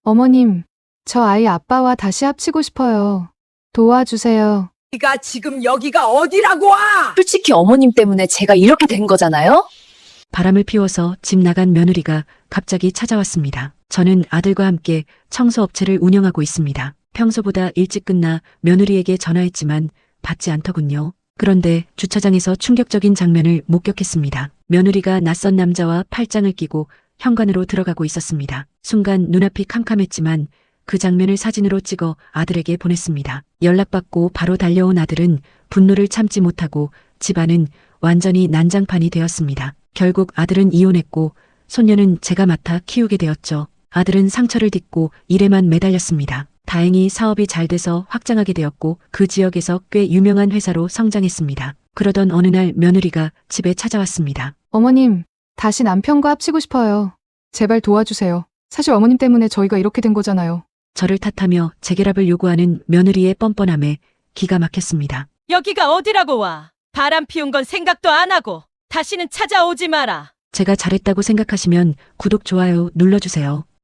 어머님, 저 아이 아빠와 다시 합치고 싶어요. 도와주세요. 네가 지금 여기가 어디라고 와! 솔직히 어머님 때문에 제가 이렇게 된 거잖아요? 바람을 피워서 집 나간 며느리가 갑자기 찾아왔습니다. 저는 아들과 함께 청소업체를 운영하고 있습니다. 평소보다 일찍 끝나 며느리에게 전화했지만 받지 않더군요. 그런데 주차장에서 충격적인 장면을 목격했습니다. 며느리가 낯선 남자와 팔짱을 끼고 현관으로 들어가고 있었습니다. 순간 눈앞이 캄캄했지만 그 장면을 사진으로 찍어 아들에게 보냈습니다. 연락받고 바로 달려온 아들은 분노를 참지 못하고 집안은 완전히 난장판이 되었습니다. 결국 아들은 이혼했고 손녀는 제가 맡아 키우게 되었죠. 아들은 상처를 딛고 일에만 매달렸습니다. 다행히 사업이 잘 돼서 확장하게 되었고 그 지역에서 꽤 유명한 회사로 성장했습니다. 그러던 어느 날 며느리가 집에 찾아왔습니다. 어머님, 다시 남편과 합치고 싶어요. 제발 도와주세요. 사실 어머님 때문에 저희가 이렇게 된 거잖아요. 저를 탓하며 재결합을 요구하는 며느리의 뻔뻔함에 기가 막혔습니다. 여기가 어디라고 와. 바람 피운 건 생각도 안 하고 다시는 찾아오지 마라. 제가 잘했다고 생각하시면 구독, 좋아요 눌러주세요.